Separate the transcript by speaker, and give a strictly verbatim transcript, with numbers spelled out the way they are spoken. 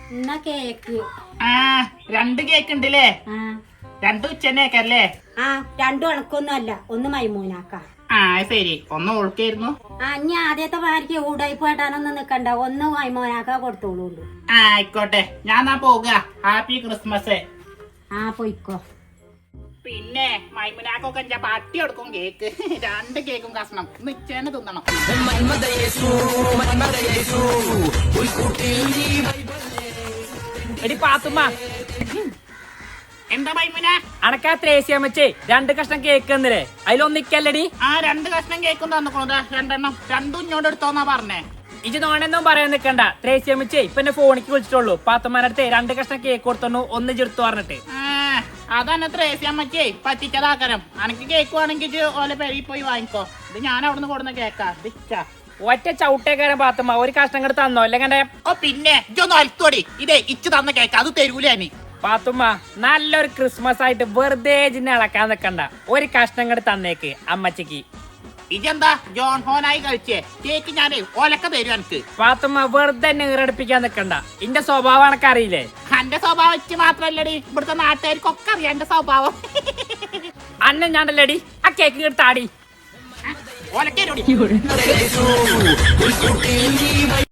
Speaker 1: എന്നാ കേക്ക്.
Speaker 2: ആ രണ്ട് കേക്ക് ഉണ്ടല്ലേ? രണ്ട് ഉച്ചന്നേക്കല്ലേ?
Speaker 1: ആ രണ്ടും അണക്കൊന്നും അല്ല, ഒന്ന് മൈമൂനാക്ക.
Speaker 2: ആ ശരി, ഒന്ന് ഓൾക്കായിരുന്നു.
Speaker 1: ആ ഇനി ആദ്യത്തെ ഭാര്യക്ക് ഊടായി പോയിട്ടാനൊന്നും നിക്കണ്ട, ഒന്ന് മൈമോനാക്ക കൊടുത്തോളൂ.
Speaker 2: ആ ആയിക്കോട്ടെ, ഞാൻ എന്നാ പോവുക. Happy Christmas.
Speaker 1: ആ പോയിക്കോ.
Speaker 2: പിന്നെ മൈമുനാക്കൊക്കെ ഞാൻ പട്ടി കൊടുക്കും കേക്ക്. രണ്ട് കേക്കും കഷ്ണം നിച്ചേനെ തിന്നണം.
Speaker 3: എടി പാത്തുമ്മ,
Speaker 2: എന്താ മൈമുന?
Speaker 3: അണക്കാ ത്രേസ്യാമ്മച്ചേ രണ്ട് കഷ്ണം കേക്ക് തന്നില്ലേ, അതിലൊന്നിക്കല്ലടി.
Speaker 2: ആ രണ്ട് കഷ്ണം കേക്കും തന്നിക്കണോ? രണ്ടെണ്ണം രണ്ടും ഇങ്ങോട്ട് എടുത്തോന്നാ പറഞ്ഞേ.
Speaker 3: ഇജ് നോണെന്നും പറയാൻ നിക്കണ്ട. ത്രേസ്യാമ്മച്ചേ ഇപ്പൊ എന്നെ ഫോണിക്ക് വിളിച്ചിട്ടുള്ളൂ. പാത്തുമ്മന്റെ അടുത്ത് രണ്ട് കഷ്ണം കേക്ക് കൊടുത്തു, ഒന്ന് ചെറുത്തു പറഞ്ഞിട്ട്.
Speaker 2: അതന്നെ ത്രേസ്യാമ്മച്ചേ പറ്റിച്ചതാക്കരം. അനക്ക് കേക്ക് വേണമെങ്കിൽ ഓലെ പെരി പോയി വാങ്ങിക്കോ. ഇത് ഞാൻ അവിടുന്ന് കൊടുന്ന കേക്കാ. ദിച്ചാ
Speaker 3: ഒറ്റ ചവിട്ടേക്കാരൻ പാത്തുമ്മ, ഒരു കഷ്ണം കൂടെ തന്നോ അല്ലെങ്കിൽ.
Speaker 2: ഓ പിന്നെ ഇജൊന്ന് അൽത്തോടി. ഇതേ ഇച്ച് തന്ന കേക്ക്, അത് തരൂലേ?
Speaker 3: പാത്തുമ്മ നല്ലൊരു ക്രിസ്മസ് ആയിട്ട് വെറുതെ ജിന്നെ ഇളക്കാൻ നിക്കണ്ട, ഒരു കഷ്ണം കൂടെ തന്നേക്ക് അമ്മച്ചിക്ക്.
Speaker 2: ഇജെന്താ ജോൺ ഹോനായി കളിച്ചേ? കേക്ക് ഞാനേ ഓലക്ക തരും എനിക്ക്.
Speaker 3: പാത്തുമ്മ വെറുതെ നീറടിപ്പിക്കാൻ നിക്കണ്ട, ഇന്റെ സ്വഭാവം എനക്കറിയില്ലേ.
Speaker 2: എന്റെ സ്വഭാവം വെച്ച് മാത്രല്ലടി, ഇവിടുത്തെ നാട്ടുകാർക്കൊക്കെ അറിയാം എന്റെ സ്വഭാവം.
Speaker 3: അന്ന ഞാണ്ടല്ലേടി ആ കേക്ക് എടുത്താടി
Speaker 2: ഓലക്കേരോടി.